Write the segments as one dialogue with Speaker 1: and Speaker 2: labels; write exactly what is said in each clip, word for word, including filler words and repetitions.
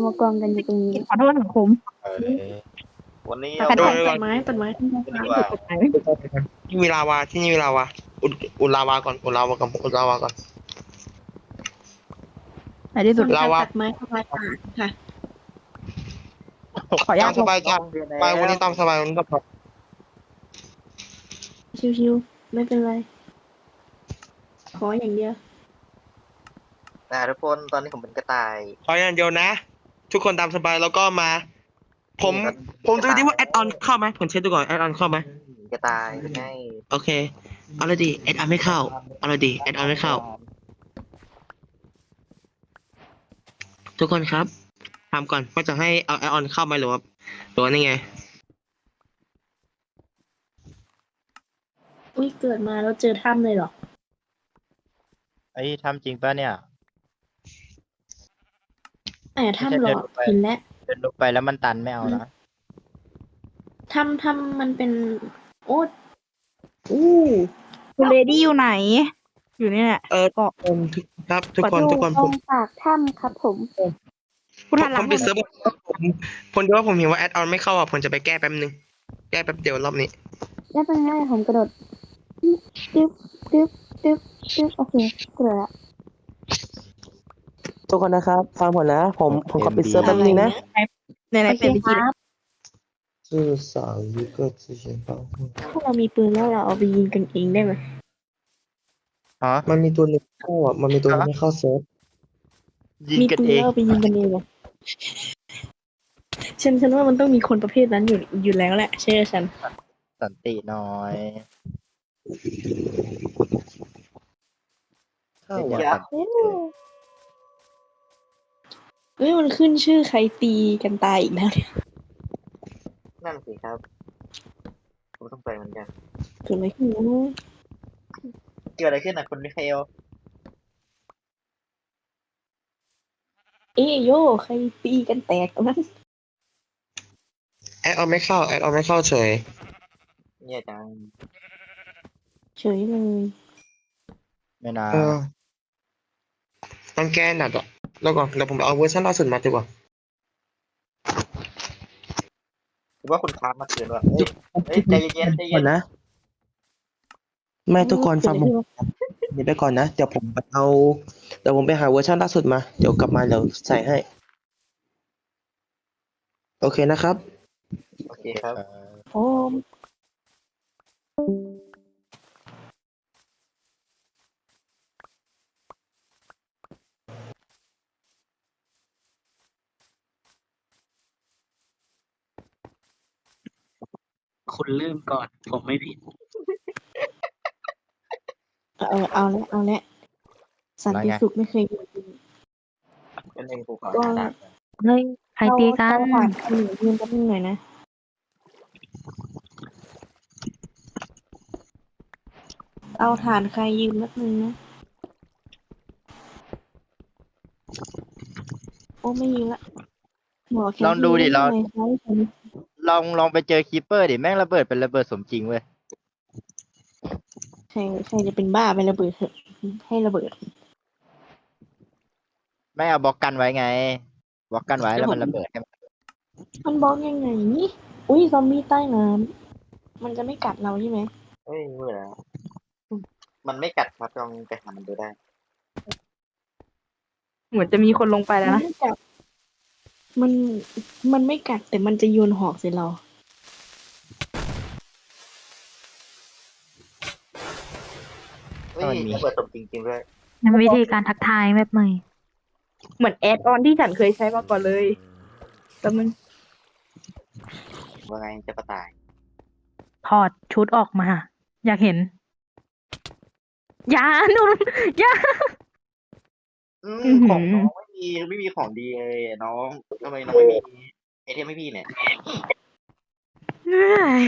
Speaker 1: มากองกันอยู่ตรงนี้
Speaker 2: ขอโทษสังคม
Speaker 3: เออวันนี้
Speaker 2: ตั
Speaker 3: เอา
Speaker 2: ด
Speaker 3: ไป
Speaker 2: ตัดไม้ตัดไม้ตัดไม้
Speaker 3: ดีกว่า
Speaker 2: ตัดไม้
Speaker 4: ที่มีลาวาที่นี่มีลาวาอุดอุดลาวาก่อนอุดลาวาก่อนอุดลาวาก่อน
Speaker 2: ในที่สุด
Speaker 4: ลาวา
Speaker 2: ตัดไม้ทำลายป่าค่ะ ขออนุญา
Speaker 4: ตา
Speaker 2: ต
Speaker 4: มสบายจ้ะไปวันนี้ตามสบายวันนี้ก็พอ
Speaker 2: ชิวๆไม่เป็นไร ขออย่างเดียว
Speaker 3: นะทุกคนตอนนี้ผมเป็นกระต่าย
Speaker 4: ขออย่างเดียวนะ ทุกคนตามสบายแล้วก็มา ผมผมดูดิว่าแอดออนเข้าไหมผมเช็คดูก่อนแอดออนเข้าไหม
Speaker 3: กระต่ายเป็นไง
Speaker 4: โอเคเอาเลยดิแอดออนไม่เข้าเอาเลยดิแอดออนไม่เข้า ทุกคนครับถามก่อนว่าจะให้เอาแอดออนเข้าไหมหรือว่าหรือว่านี่ไง
Speaker 2: อุ้ยเกิดมาแล้วเจอถ้ำเลยเหรอ
Speaker 5: ไอ้ทำจริงป่ะเนี่ย
Speaker 2: แต่ถ้ำหรอเห็นแล้ว
Speaker 5: เดินลงไปแล้วมันตันไม่เอานะ
Speaker 2: ถ้ำถ้ำมันเป็น โอ้อู้
Speaker 1: คุณเลดี้อยู่ไหน อยู่เนี่ย
Speaker 4: เออก็ผมครับทุกคนทุกคน
Speaker 1: ต
Speaker 4: ผ
Speaker 1: ร
Speaker 4: ม
Speaker 1: งปากถ้ำครับผม
Speaker 4: ผมผมปิดเซิร์ฟผมผมดูว่าผมเห็นว่าแอดออนไม่เข้าอ่ะผมจะไปแก้แป๊บนึงแก้แป๊บเดียวรอบนี้
Speaker 1: ไม่เป็นไรผมกระโดดดึ๊บดึ๊บดึ๊บดึ๊บโอเคกระโดดละ
Speaker 4: ทุกคนนะครับฟังผมนะ ผมผมขอปิดเซิร์ฟแป๊บนึงนะ
Speaker 2: ไหน
Speaker 1: โอ
Speaker 2: ๆ
Speaker 1: เค
Speaker 2: เปลี่ยนวิ
Speaker 1: ค
Speaker 2: ธี
Speaker 1: รับ
Speaker 4: 至少一个之前保护
Speaker 2: ถ้าเรามีปืนแล้วเราเอาไปยิงกันเองได้ไหม
Speaker 5: ฮะ
Speaker 4: มันมีตัวหนึ่งเข้าอ่ะมันมีตัวหนึงไม่เข้าเซิร์ฟ
Speaker 5: ยิง
Speaker 2: มี
Speaker 5: กัน
Speaker 2: ปืน
Speaker 5: เอ
Speaker 2: แล้ว
Speaker 5: ง
Speaker 2: เอาไปยิงกันเองเหรอฉันฉันว่ามันต้องมีคนประเภทนั้นอยู่อยู่แล้วแหละเชื่อฉัน
Speaker 5: สันติน้อย
Speaker 4: เข้า
Speaker 5: เดี๋ยว
Speaker 4: อ่ะ
Speaker 5: สันติ
Speaker 2: เอ้ยมันขึ้นชื่อใครตีกันตายอีกแล้วเนี่ย
Speaker 3: นั่นสิครับ ผมต้องไปเหมือนกัน
Speaker 2: เกิดอะไรขึ้นวะ
Speaker 3: เกิดอะไรขึ้นนะคุณมิคาเอล
Speaker 2: เอ้ยโยใครตีกันแตกตรงนั้น
Speaker 4: แอดออนไม่เข้าแอดออนไม่เข้าเฉย
Speaker 3: เนี่ยจัง
Speaker 2: เฉยเลย
Speaker 5: ไม่นา
Speaker 4: เออต้องแก้หนักอ่ะแล้วก่อนเดี๋ยวผมเอาเวอร์ชันล่าสุดมาดีกว่า
Speaker 3: หรือว่าคุณค้ามาเกินว่ะเฮ้ยเฮ้ยใจเย็นๆใจ
Speaker 4: ก่
Speaker 3: เย็
Speaker 4: อน นนะไม่ทุกคนฟังผม
Speaker 2: เกิดอะไรขึ้นวะ
Speaker 4: เดี๋ยวไปก่อนนะเดี๋ยวผมไปเอาเดี๋ยวผมไปหาเวอร์ชันล่าสุดมาเดี๋ยวกลับมาเดี๋ยวใส่ให้ โอเคนะครับ
Speaker 3: โอเคครับ
Speaker 5: เออ
Speaker 2: โอ้ม
Speaker 4: คุณลืมก่อน ผมไม่ผิด
Speaker 2: เอาเอาแล้วเอาแล้วสันติสุขไม่เคยมี
Speaker 3: เป็นเองกูขอ
Speaker 2: ก็
Speaker 3: ดัก
Speaker 1: เฮ้ยใครตีกัน
Speaker 2: เอาผ่านคนหนึ่งยืนแป๊บนึงหน่อยนะเอาฐานใครยืมแป๊บนึงนะโอ้ไม่ยืมละบอกแค่
Speaker 5: ลองดูดิลอง
Speaker 2: ทำไมเขาให้ฉัน
Speaker 5: ลองลองไปเจอคีปเปอร์ดิแม่งระเบิดเป็นระเบิดสมจริงเว้ย
Speaker 2: ใครใครจะเป็นบ้าไประเบิดเถอะให้ระเบิด
Speaker 5: ไม่เอาบล็อกกันไว้ไงบล็อกกันไว้แล้วมันระเบิดให้มัน
Speaker 2: มันบล็อกยังไงนี่อุ้ยซอมบี้ใต้น้ำมันจะไม่กัดเราใช่ไหม
Speaker 3: เฮ้ยเมื่อแล้วมันไม่กัดครับลองไปหามันดูได้
Speaker 1: เหมือนจะมีคนลงไปแล้ว
Speaker 2: มัน
Speaker 1: นะ
Speaker 2: ไม่กัดมันมันไม่กัดแต่มันจะโยนหอกใส่เรา
Speaker 3: เฮ้ยระเบิดสมจริงๆด้วย
Speaker 1: มันวิธีการทักทายแบบใหม่ เหมือนแอดออนที่ฉันเคยใช้มาก่อนเลยแต่มัน
Speaker 3: ว่าไงจะกระต่าย
Speaker 1: ถอดชุดออกมา อยากเห็นอยาหนูอยา
Speaker 3: อื
Speaker 1: อื้อ
Speaker 3: ม
Speaker 1: หือ
Speaker 3: ของน้องไม่มีไม่มีของดีเลยน้องทำไมน้องไม่มีไอเทมไม่พี่เนี่ย
Speaker 1: เอ้ย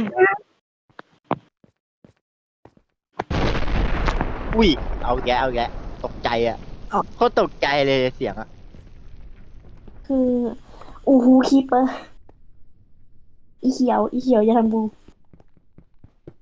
Speaker 5: อุ้ยเอาแกะเอาแกะตกใจอ่ะ
Speaker 2: อ๋อ
Speaker 5: โคตรตกใจเลยเสียงอ่ะ
Speaker 2: คืออูฮูคีเปอร์อีเขียว อีเขียวอย่าทำบู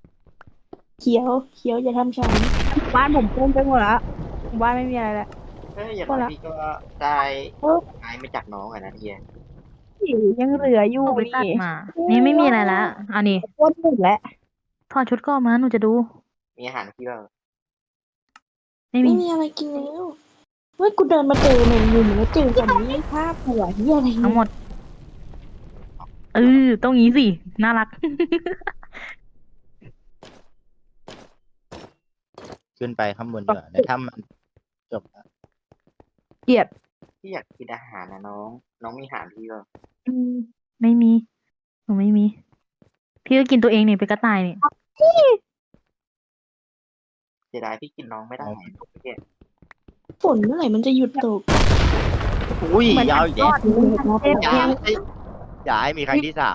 Speaker 2: เขียว เขียวอย่าทำฉัน
Speaker 1: บ้านผมเต็มไปหมดละบ้านไม่มีอะไรแล้ว
Speaker 3: เอ้ยอย่างน้อยพี่ก็ได้ไม้มาจากน้องอะนะเฮีย
Speaker 2: ยังเหลืออยู่
Speaker 1: เอาไป
Speaker 2: นี่
Speaker 1: ตัดมา นี่ไม่มีอะไรแล้วอันนี้
Speaker 2: โคตรหนึ่งแล้ว
Speaker 1: ถอดชุดก่อนมาหนูจะดู
Speaker 3: มีอาหารพี่บ้าง
Speaker 1: ไม่
Speaker 2: ไม่
Speaker 1: มี
Speaker 2: มีอะไรกินแล้วเฮ้ยกูเดินมาเจอแมงมุมแล้วเจอคนนี้ภาพหัวเหียอะไร
Speaker 1: ทั้งหมดเออต้องงี้สิน่ารัก
Speaker 5: ขึ้นไปข้างบนดีกว่าในถ้ำมันจบแล้ว
Speaker 2: เกลียด
Speaker 3: พี่อยากกินอาหารนะน้อง น้องมีอาหารพี่บ้าง
Speaker 1: อืมไม่มีหนูไม่มี พี่ก็กินตัวเองนี่เป็นกระต่ายนี่
Speaker 3: เสียดายพี่กินน้องไม่ได้เฮีย
Speaker 2: ฝนเมื่อไหร่มันจะหยุดตก
Speaker 5: อุ้ย
Speaker 1: เหมือน
Speaker 5: ยาวอีกแล้ว
Speaker 1: เทพ
Speaker 5: อย่าให้อย่าให้มีครั้งที่สาม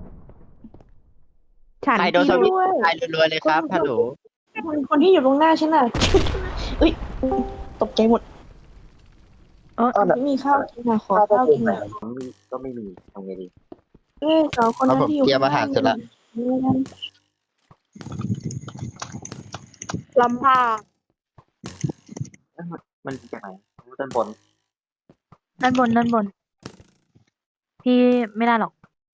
Speaker 2: ฉัน
Speaker 5: ใครโดนส
Speaker 2: กิน
Speaker 5: วิตช์
Speaker 2: ด้วย
Speaker 5: ตายรัวๆเลยครับฮัลโหล
Speaker 2: คนคนที่อยู่ตรงหน้าฉันน่ะ เอ้ยตกใจหมด
Speaker 1: เออ
Speaker 2: ไม่มีข้าวกินนะขอข้าวกินหน่อย
Speaker 3: น้องมีก็ไม่มีทำไงดี
Speaker 2: เอ้ยสองคน
Speaker 5: เอา
Speaker 2: นั้น
Speaker 5: ผม
Speaker 2: ที่อยู่
Speaker 5: เตรียมอาหารเสร็จละ
Speaker 2: ลำพา
Speaker 3: มันจากไหนรู้ด้านบน
Speaker 1: ด้านบนด้านบน พี่ไม่ได้หรอก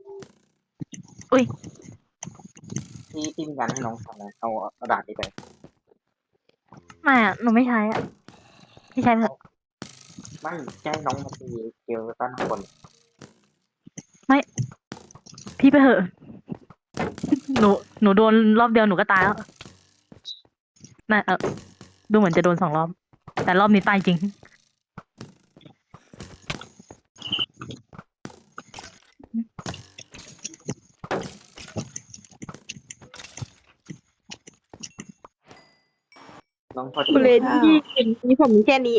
Speaker 3: ที่ที่มีการให้น้องทำนะเอาเอาดาบนี้ไป
Speaker 1: ไม่อะหนูไม่ใช้อะพี่ใช้เถอะ
Speaker 3: ไม่ใช่น้องมาตีเกลตันข้างบน
Speaker 1: พี่ไปเถอะ หนูหนูโดนรอบเดียวหนูก็ตายแล้วน่ะเออดูเหมือนจะโดนสองรอบ แต่รอบนี้ตายจริง
Speaker 3: น้องพอ
Speaker 2: คุณเล
Speaker 3: ดี
Speaker 2: ดี้กินนี่ผมมีแค่นี้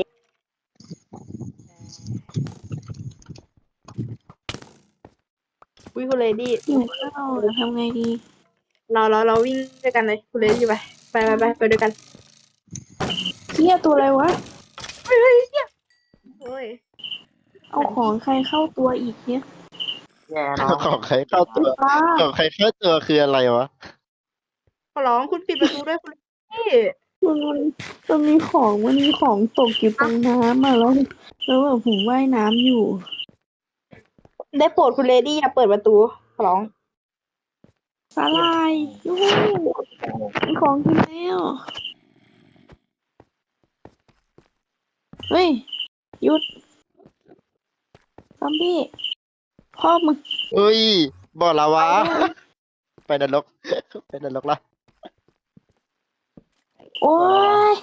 Speaker 2: วิคุณเลดี้หิวข้าวทำไงดีเราเราเราวิ่งด้วยกันเลยคุณเลดี้ไปไปไปไปไปด้วยกันเฮียตัวอะไรวะเฮ้ยเฮียโอ้ยเอาของใครเข้าตัวอีกเนี่ย
Speaker 3: แย่น้อง
Speaker 5: ของใครเข้าตัว
Speaker 2: ป้า
Speaker 5: ของใครเข้าตัวคืออะไรวะ
Speaker 2: ขอร้องคุณปิดประตูด้วยคุณพี่มันมันมีของมันมีของตกอยู่ตรงน้ำมาแล้วแล้วแบบผมว่ายน้ำอยู่ ได้โปรดคุณเลดี้อย่าเปิดประตูขอร้องสาลายยูหูมีของกินแล้วเฮ้ยหยุดซอมบี้พ่อมึง
Speaker 5: เอ้ยบ่อลาวาไปนรก ไปนรกละ
Speaker 2: โอ้ย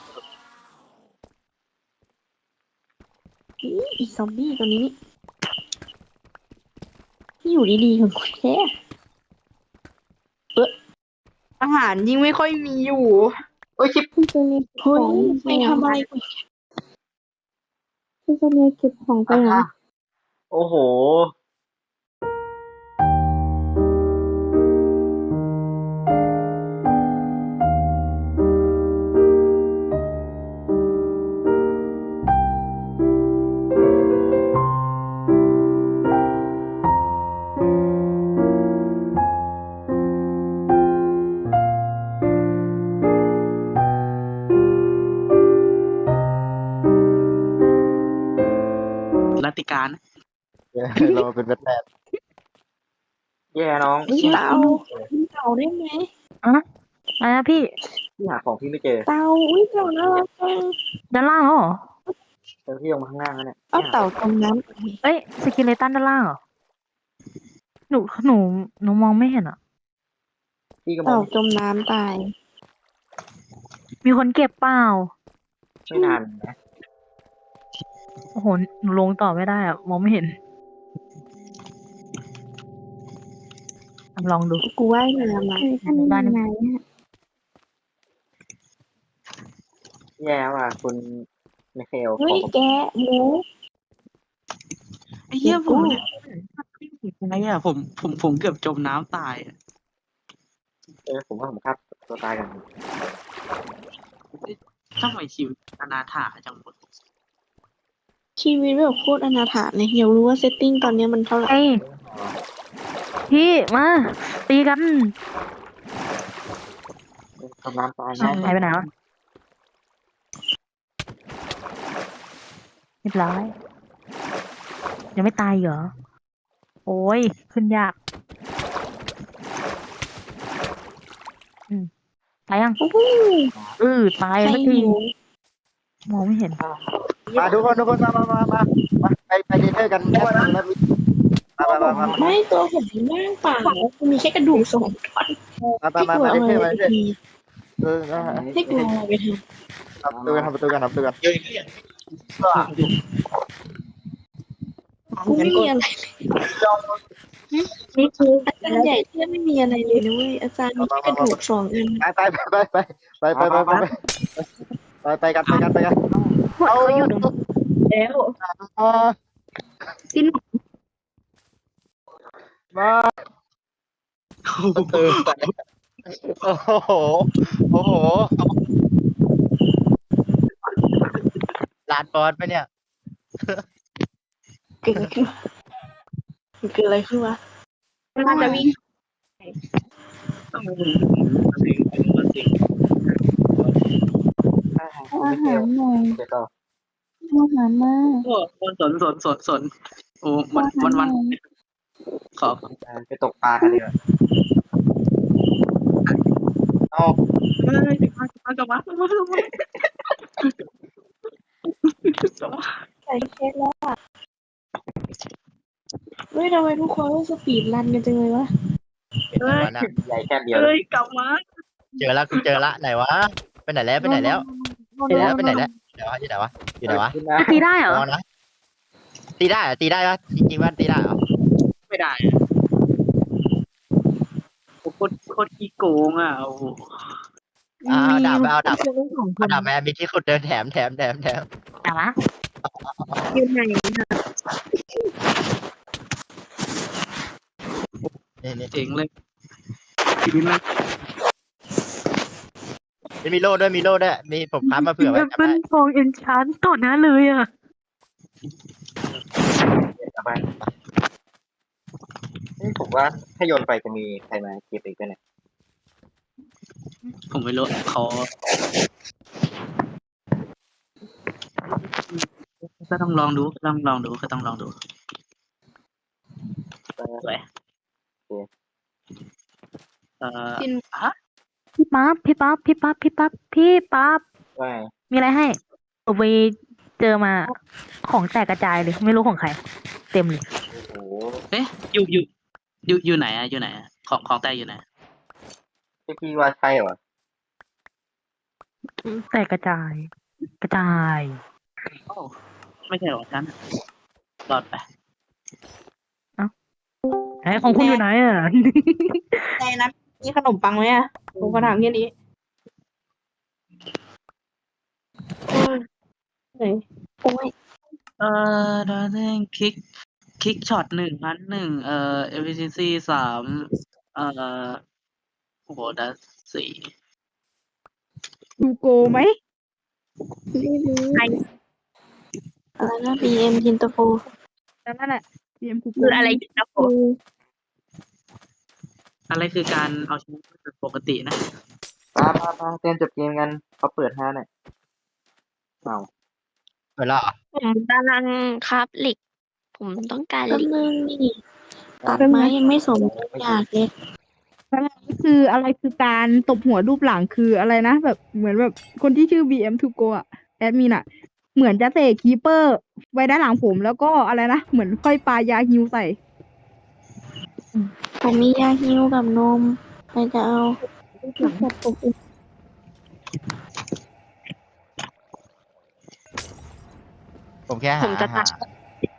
Speaker 2: อีอีซอมบี้ตัวนี้นี่ที่อยู่ดีๆของคุณแค่เอออาหารยิ่งไม่ค่อยมีอยู่
Speaker 3: เอ้ยชิป
Speaker 2: พี่จะมีเฮ้ยไปทำอะไรกูพี่จะมีเก็บของไปนะ
Speaker 3: โอ้โห
Speaker 6: รัติการ
Speaker 5: เรามาเป็นแบทแมน
Speaker 3: แย่น้อง
Speaker 2: เฮ้ย
Speaker 3: พี่หา
Speaker 2: เตาเตาได้ไหม
Speaker 1: อะไรนะพี่
Speaker 3: พี่หาของพี่ไม่เจอ
Speaker 2: เตาอุ้ยเตาน่ารักจัง
Speaker 1: ด้านล่างเหรอ
Speaker 3: เจอพี่ลงมาข้างล่างแล้วเนี่ย
Speaker 2: เอาเต่าตรงนั้น
Speaker 1: เอ้ยสกิเลตันด้านล่างเหรอ หนู หนู หนูมองไม่เห็นอ่ะ
Speaker 3: พี่ก็มอ
Speaker 2: เต่าง จมน้ำตาย
Speaker 1: มีคนเก็บเปล่า
Speaker 3: ไม่นานนะ
Speaker 1: โอ้โห หนูลงต่อไม่ได้อ่ะ มองไม่เห็น ลองดู
Speaker 2: กูว่ายน้ำมาอันนี้ยังไงเนี่ย
Speaker 3: แย่ว่ะคุณไมเคิล
Speaker 2: เฮ้ยแกะหมู
Speaker 6: ไอ้เหี้ยผมเนี่ยไอ้เหี้ยผมผมผมเกือบจมน้ำตายอะ
Speaker 3: เออผมว่าผมฆ่าตัวตายกัน
Speaker 6: ทำไมชีวิตอนาถาจังหมด
Speaker 2: ชีวิตแบบโคตรอนาถาเลยอยากรู้ว่าเซตติ้งตอนเนี้ยมันเท่าไหร่
Speaker 1: เอ้ยพี่ มา ตีกัน
Speaker 3: ทำน้ำตาย
Speaker 1: อ้าว
Speaker 3: นะ
Speaker 1: หายไปไหนวะเรียบร้อยยังไม่ตายเหรอโอ้ยขึ้นยากอืมตายยัง
Speaker 2: โอ้โห
Speaker 1: เออตาย
Speaker 2: ใคร
Speaker 1: สักที
Speaker 2: หิว
Speaker 1: มองไม่เห็น
Speaker 5: มาทุกคนทุกคนมามามามามาไปไปเดนเทอร์กันแป๊บนึงแล้วมีมามามามามา
Speaker 2: ไม่ตัวผมว่างเปล่ามีแค่กระดูกสองท่อน
Speaker 5: มา
Speaker 2: ให้
Speaker 5: มาก
Speaker 2: ลัว
Speaker 5: มาเด
Speaker 2: เอา
Speaker 5: นเทอร์
Speaker 2: อะไร
Speaker 5: มา
Speaker 2: ไป
Speaker 5: เดนเทอร์
Speaker 2: ที
Speaker 5: เออนะ
Speaker 2: ให้กลัวเอาอะไรไปท
Speaker 5: ทำประตูกันทำประตูกันทำประตูกัน
Speaker 2: ำกูไม่มีอะไรนี่คืออาจารย์ใหญ่ที่ไม่มีอะไรเลยนะเว้ยอาจารย์มีแค่กระดูกสองอัน
Speaker 5: ไปไปไปไปไปไปไปไปไปไปไปกันไปกันไปกัน
Speaker 1: พวกเขาอยู่ตรงแล้ว
Speaker 5: อ่า
Speaker 1: สิ้น
Speaker 5: มาเออโอ้โหโอ้โหลานบอสไปเนี่ย
Speaker 2: เกิดอะไรขึ้นวะเกิดอะไรขึ้นวะน่าจะวิ่ง
Speaker 3: อาหารหน่อย เดี๋ยวต่อ
Speaker 2: อาหารมาก
Speaker 6: โอ้สนสนสนสนโอ้วันวันวันขอ
Speaker 3: ไปตกปลากันดีกว่าเอา
Speaker 6: เฮ้ยมากลับมากลับมากลับมา
Speaker 2: ใส่เคสแล้วอ่ะเฮ้ยทำไมทุกคนต้องสปีดรันกันจังเลยวะ
Speaker 6: เฮ้ย
Speaker 3: ใหญ่แค่เดียว
Speaker 6: เฮ้ยกลับมา
Speaker 5: เจอแล้วกูเจอละไหนวะไปไหนแล้วไปไหนแล้วไปไหนแล้วไปไหนแล้วอยู่ไหนวะอยู่ไหนวะอยู่ไหนวะ
Speaker 1: ตีได้เหรอ
Speaker 5: ลองนะตีได้เหรอตีได้ปะจริงๆว่าตีได้เหรอ
Speaker 6: ไม่ได้โอ้โคตรโคตรขี้โกงอ่ะโอ้โห
Speaker 5: อ่าเอาดาบไปเอาดาบ
Speaker 1: มีคนสองค
Speaker 5: เอา
Speaker 1: น
Speaker 5: ดาบแม่มีที่ขุดเดินแถมแถมแถมแถม
Speaker 1: แต่ว่า
Speaker 2: ยืนไหน
Speaker 5: นี่นี่
Speaker 6: เจ๋งเลยทีนี้มัน
Speaker 5: นี่มีโล่ด้วยมีโล่ด้วยมีผมค้ามาเผื่อไว้จำ
Speaker 1: เป็
Speaker 5: ได้
Speaker 1: นทองเอ็นชานต่อหน้าเลยอ่ะ
Speaker 3: สบายนี่ผมว่าถ้าโยนไปจะมีใครมาเก็บอีกไหมเนี่ย
Speaker 6: ผมไม่รู้เขาก็ต้องลองดูก็ต้องลองดูก็ต้องลองดูสวยเอ่อฮะ
Speaker 1: พี่ป๊าบพี่ป๊าบพี่ป๊าบพี่ป๊าบพี่ป๊าบ
Speaker 3: ว่า
Speaker 1: มีอะไรให้ผมไปเจอมาของแตกกระจายเลยไม่รู้ของใคร เต็มเลย
Speaker 3: โอ้โห
Speaker 6: เอ๊ะอยู่อยู่อยู่อยู่ไหนอะอยู่ไหนอะของของแต่อยู่ไหน
Speaker 3: ที่พี่ว่าใช่เหรอ
Speaker 1: แตกกระจาย กระจาย
Speaker 6: โอ้ไม่ใช่หรอกฉันรอดไป
Speaker 1: ไหนของคุณอยู่ไหนอ่ะ
Speaker 2: ในนั้นมีขนมปังไหมอ่ะผมก็ถามแค่นี้โอ้ยโอ้ย
Speaker 6: เอ่อดาร์เด้งคิกคิกช็อตหนึ่งพันหนึ่งเอ่อ efficiency สามเอ่อโอ้โหดัสสี่
Speaker 1: ดูโกไหม
Speaker 2: ไม่รู้อะไรนะ บี เอ็ม ยินตาโฟ
Speaker 1: นั่นแหละเตรียมคุก
Speaker 2: คืออะไรยินตาโฟ
Speaker 6: อะไรคือการเอาชีวิตเป็นปกตินะ
Speaker 3: ปลาปลาปลาเตรียมจบเกมกันเขาเปิดห้าหน่อยเอา
Speaker 5: เปิดแล้วเหรอ
Speaker 7: ผมกำลังคราฟเหล็ก ผมต้องการ
Speaker 2: แป๊บ
Speaker 7: เหล็ก
Speaker 2: นึงนี่ตัดไม้ยังไม่สมอยากเลย
Speaker 8: คืออะไรคือการตบหัวรูปหลังคืออะไรนะ แบบเหมือนแบบคนที่ชื่อ บี เอ็ม to go อ่ะแอดมินอ่ะ เหมือนจะเตะคีเปอร์ไว้ด้านหลังผมแล้วก็อะไรนะ เหมือนค่อยปายาฮิวใส่
Speaker 2: ผมมียาฮิวกับนมใครจะเอา
Speaker 5: ผมแค่หา
Speaker 7: ผมจะตัด
Speaker 5: หา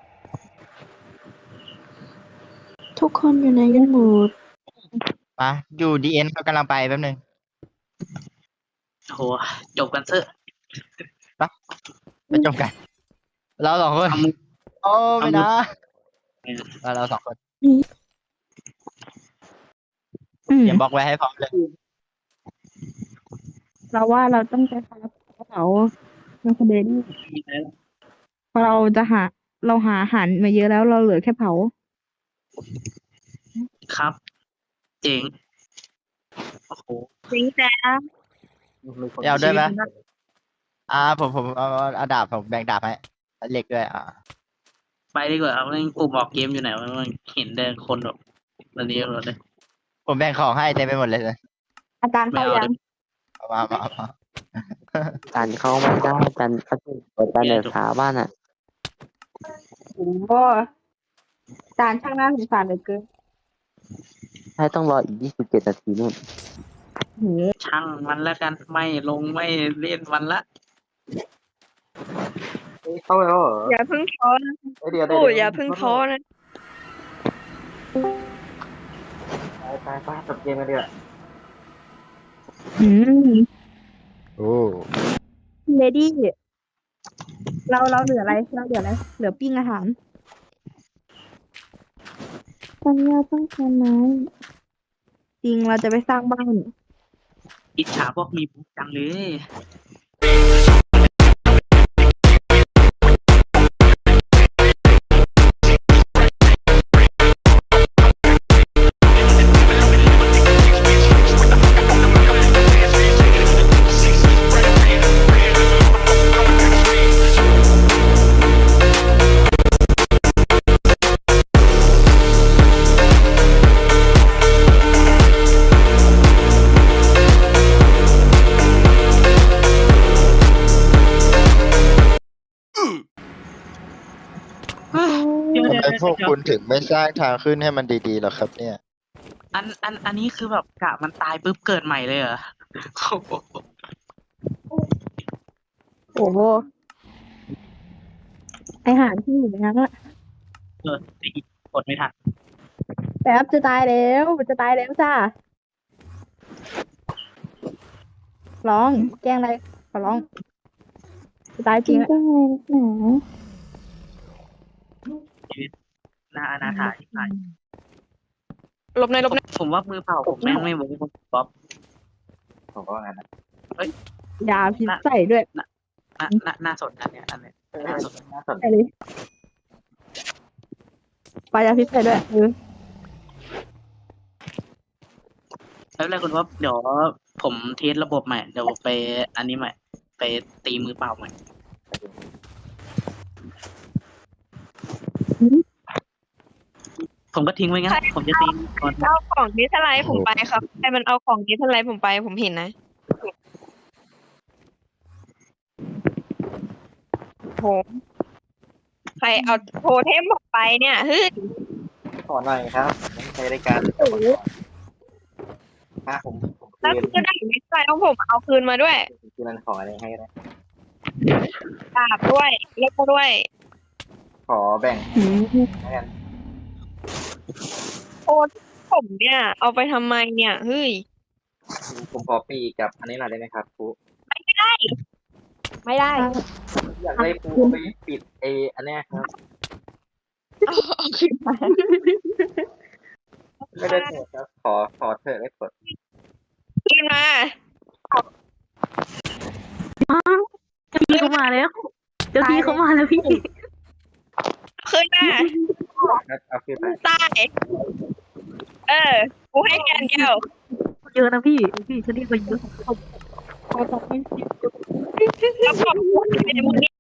Speaker 2: ทุกคนอยู่ในกันหมด
Speaker 5: มาอยู่ดีเอ็นเขากำลังไปแป๊บนึง
Speaker 6: โหจบกันเถอะ
Speaker 5: ไปจบกัน เราสองคน
Speaker 6: เอามือ
Speaker 5: โอ้ไม่นะ
Speaker 6: เอามือ
Speaker 5: เราเราสองคน
Speaker 8: อืม
Speaker 5: เตรียมบล็อกไว้ให้พร้อมเลย
Speaker 8: เราว่าเราต้องใช้คาราเป๋าเราคนเดียวนี่
Speaker 6: มีอะไรหรอ
Speaker 8: เพราะเราจะหา เราหาอาหารมาเยอะแล้วเราเหลือแค่เผา
Speaker 6: ครับ เจ๋งโอ้โห
Speaker 7: จริงแต่
Speaker 3: มีคน
Speaker 5: เอาด้วยไหม
Speaker 6: ชีวิตมันน่า
Speaker 5: อ่าผมผมเอาเอาเอาดาบผมแบ่งดาบให้เหล็กด้วยอ่ะ
Speaker 6: ไปดีกว่าเอาเล่นกลุ่มออกเกมอยู่ไหนวะมันเห็นแต่คนแบบตอนนี้หมดเลย
Speaker 5: ผมแบ่งของให้เต็มไปหมดเลย
Speaker 8: อาจารย์
Speaker 6: ไม่
Speaker 8: เข้า
Speaker 6: เอา
Speaker 8: ยั
Speaker 6: เล
Speaker 8: ง
Speaker 6: ย
Speaker 5: เอามามามา
Speaker 9: จันเข้าไม่ได้จันเขาถูกกดจันเดือดขาบ้านอ่ะ
Speaker 8: โอ้โหอาจารย์ช่างน่าสงสารเหลือเกิน
Speaker 9: ให้ต้องรออีกยี่สิบเจ็ดนาทีนู่น
Speaker 8: โห
Speaker 6: ช่างมันแล้วกันไม่ลงไม่เล่นมันละ
Speaker 3: เฮ้ยเข้าแล้วเหรอ
Speaker 2: อย่าเพิ่งท้อนะ
Speaker 3: เอ้ยเดี๋ยวเดี๋
Speaker 2: โอ้
Speaker 3: วย
Speaker 2: อย่าเพิ่งท้อนะ
Speaker 3: ไปไปไปจบเกมกันดีกว่า
Speaker 8: อืม
Speaker 5: โอ้
Speaker 8: เลดี้เราเราเหลืออะไรเราเหลืออะไรเหลือปิ้งอาหารปัญญาต้องการไม้จริงเราจะไปสร้างบ้าน
Speaker 6: อิจฉาพวกมีบุ๊กจังเลย เดี๋ยว
Speaker 5: ทำ
Speaker 6: เดี๋ยว
Speaker 5: ไม
Speaker 6: เดี๋ยว
Speaker 5: พวก
Speaker 6: เดี๋ยว
Speaker 5: คุณถึงไม่สร้างทางขึ้นให้มันดีๆหรอครับ เนี่ย
Speaker 6: อันอันอันนี้คือแบบกะมันตายปุ๊บเกิดใหม่เลยเหรอโอ้โห
Speaker 8: โอ้โหอาหารที่อยู่ในนั้นอะ
Speaker 6: เออไอ้อีกกดไม่ทัน
Speaker 8: แป๊บจะตายแล้วจะตายแล้วจ้าร้องแกล้งอะไรขอร้องจะตายจริงแกล้งอะไรหนา
Speaker 6: หน้าอนาถาที่ไหน
Speaker 2: หลบในอยหลบในอย
Speaker 6: ผมว่ามือเปล่าผมแม่งไม่เวิร์กป๊อป
Speaker 3: ผมก็ว่างั้นนะ
Speaker 8: ยาพิษใส่ด้วย
Speaker 6: น่าน่าน่าสนนะเนี่ยอันเนี้ย
Speaker 3: เออ
Speaker 6: น่าสน
Speaker 3: น่าสน
Speaker 8: ไปเลยปลายาพิษใส่ด้วยเออ
Speaker 6: แล้วอะไรคุณว่าเดี๋ยวผมเทสระบบใหม่เดี๋ยวไปอันนี้ใหม่ ไปตีมือเปล่าใหม่ ผมก็ทิ้งไว้งั้นผมจะตีก่อน
Speaker 2: เอาของดิสไลด์ผมไปครับใครมันเอาของดิสไลด์ผมไปผมเห็นนะโหใครเอาโทเทมผมไปเนี่ยเฮ้ย
Speaker 3: ขอหน่อยครับผมใช้รายการอ่ะผมผม
Speaker 2: แล้ว
Speaker 3: คืน
Speaker 2: คือได้ดิสไลด์ของผมเอาคืนมาด้วย
Speaker 3: คืนนั้นขออะไรให้ก็ได้
Speaker 2: ดาบด้วยเล็กด้วย
Speaker 3: ขอแบ่งให้กัน
Speaker 2: โอ้ผมเนี่ย เอาไปทำไมเนี่ยเฮ้ย
Speaker 3: ผมขอปีกกับอันนี้หน่อยได้ไหมครับครู
Speaker 2: ไม่ได้
Speaker 3: อยากได้ครูเอาไปปิดเออันเนี้ยครับ
Speaker 2: เอาคืนมา
Speaker 3: ไม่ได้โกรธครับ ขอขอเถอะได้โปรด
Speaker 2: คืนมา
Speaker 1: เจ้าพี่เขามาแล้ว เจ้าพี่เขามาแล้วพี่
Speaker 2: คืนมา
Speaker 3: ครับเอาขึ้นไป
Speaker 2: ตายเออกูให้แกนเดียว
Speaker 1: เยอะนะพี่ พี่ฉันเรียกไปเยอะ
Speaker 2: แล้วขอบคุณในมือนี้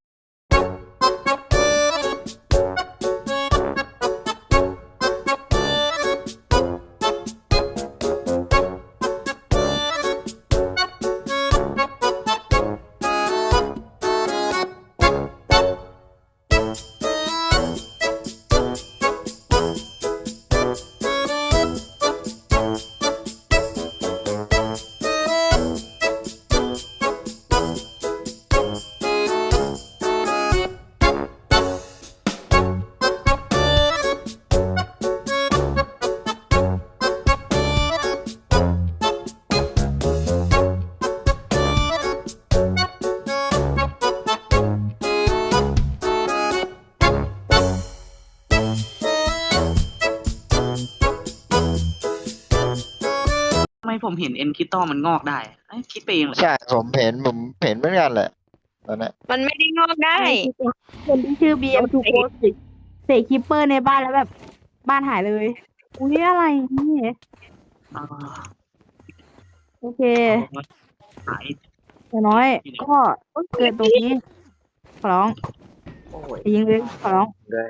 Speaker 6: ทำไมผมเห็นเอ็นคิตตอมันงอกได้เอ้ยคิดไปเองเหรอ
Speaker 5: ใช่ผมเห็นผมเห็นเหมือนกันแหละตอนนี้น
Speaker 2: มันไม่ได้งอกได้
Speaker 8: คนที่ชื่อ บี เอ็ม ทู โกเสกคิปเปอร์ในบ้านแล้วแบบบ้านหายเลย อุ้ยอะไรนี่
Speaker 6: อ่า
Speaker 8: โอเค
Speaker 6: หาย
Speaker 8: อย่างน้อย ก็เกิดตรงนี้ขอร้อง
Speaker 3: โอ้ย
Speaker 8: ยิงเลยขอร้อง
Speaker 3: ด้วย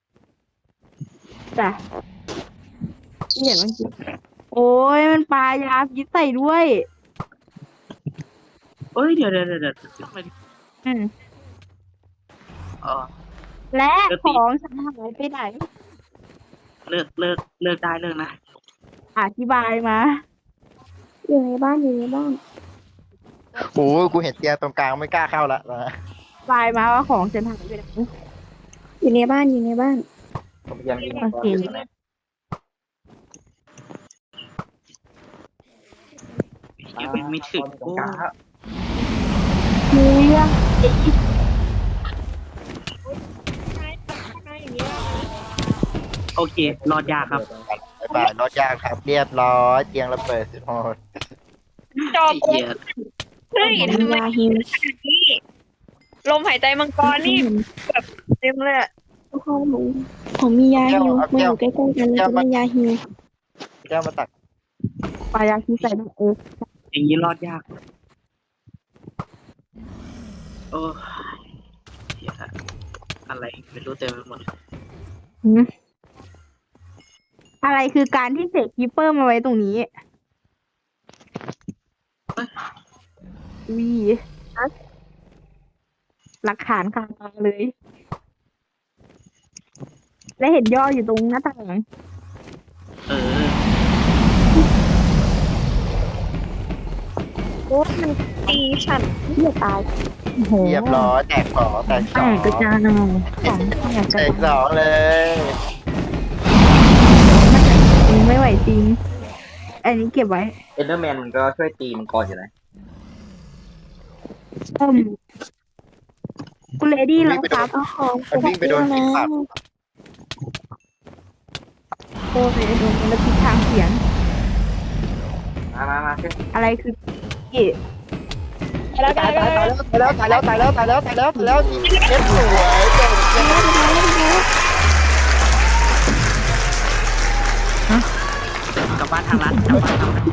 Speaker 8: จ้ะที่เห็นเมื่อกี้โอ้ยมันปลายาพิษใส่ด้วย
Speaker 6: เอ้ยเดี๋ยวเดี๋ยวเดี๋ยวเดี๋ยวทำไม
Speaker 8: อืม
Speaker 6: เออ
Speaker 8: และ
Speaker 6: เดี๋ยว
Speaker 8: ข
Speaker 6: ตี
Speaker 8: องฉันหายไปไหน
Speaker 6: เลิกเลิกเลิกได้เลิกนะ
Speaker 8: อธิบายมา
Speaker 2: อยู่ในบ้านอยู่ในบ้าน
Speaker 5: โอ้ยกูเห็นเตียงตรงกลางไม่กล้าเข้าละนะ
Speaker 8: อธิบายมาว่าของฉันหายไปไหน
Speaker 2: อยู่ในบ้านอยู่ในบ้าน
Speaker 3: ผมพยายามยิง
Speaker 8: โอเค
Speaker 3: ตัวนี้
Speaker 6: ยังเป็นไม่ถึง
Speaker 3: ตรงกลางแล้ว
Speaker 8: มีเรื่อง
Speaker 6: โอเค รอดยากครับ
Speaker 5: บ๊ายบายรถยากครับ เรียบร้อยเตียงระเบิดสุดโหด
Speaker 7: จบ
Speaker 6: ไอ้เหี้ย
Speaker 7: เฮ้ย
Speaker 2: ผม
Speaker 7: ทำ
Speaker 2: มี
Speaker 7: ไม
Speaker 2: ยาฮิว
Speaker 7: นี่ลมหายใจมังกรนี่แบบเต็มเลยอะ
Speaker 2: พ่อหนูผมมียาฮิวมาอยู่ใกล้ๆกันแล้วก็มียาฮิว
Speaker 5: แก้วมาตัก
Speaker 8: ปลายาพิษใส่ด้วยเออ
Speaker 6: อย่างนี้รอดยาก โอ้ยเหี้ยอะไรไม่รู้เต็มไปหมดเลย
Speaker 8: หืมอะไรคือการที่เสกคีเปอร์มาไว้ตรงนี้วีหลักฐานคาตาเลย และเห็นย่ออยู่ตรงหน้าต่าง
Speaker 6: เออ
Speaker 7: โอ้มันตีฉัน
Speaker 8: เหี้ยตายโอ้โห
Speaker 5: เรียบร้อยแตกสองแตก
Speaker 8: แต
Speaker 5: สอง
Speaker 8: กกระจายของแตกก
Speaker 5: แต
Speaker 8: ระ
Speaker 5: กส
Speaker 8: จาย
Speaker 5: องเลย
Speaker 8: จริงไม่ไหวจริง อันนี้เก็บไว้
Speaker 3: เอ็นเดอร์แมนมันก็ช่วยตีมังกรอยู่นะ
Speaker 8: อืมคุณเลดี้แล้วครับ
Speaker 2: เอาของ
Speaker 5: มันวิ่งไปโดนที่ปาก
Speaker 8: โอ้ยโดนแล้วทิศทางเสียง
Speaker 3: มามามาช่วย
Speaker 8: อะไรคือกี่
Speaker 7: แล้วกั
Speaker 5: ตาย
Speaker 7: น
Speaker 5: ตายตายแล้วตายแล้วตายแล้วตายแล้วตายแล้วตายแล้วตายแล้วเก็บสวยเก่งเก่ง
Speaker 6: กลับบ้านทางรัฐกลับบ้านทางรัฐ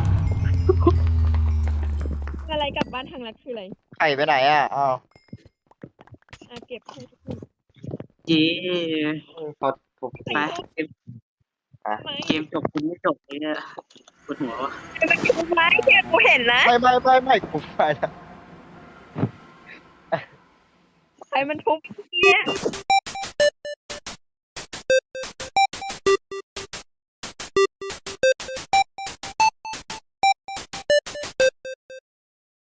Speaker 7: อะไรกลับบ้านทางรัฐคืออะไร
Speaker 5: ไข่ไปไหนอ่ะอ้าว
Speaker 7: อ่ะเก็บ
Speaker 6: เย้
Speaker 3: เขาถูก
Speaker 6: ไปเกมเกมจบคุณไม่จบเลยเนี่ยปวดหัววะ
Speaker 7: ไม้เก็บกูเห็นนะ
Speaker 5: ไม่ไม่ไม่ไม่กูไปแล้ว
Speaker 7: ใครมันทุบเนี่ย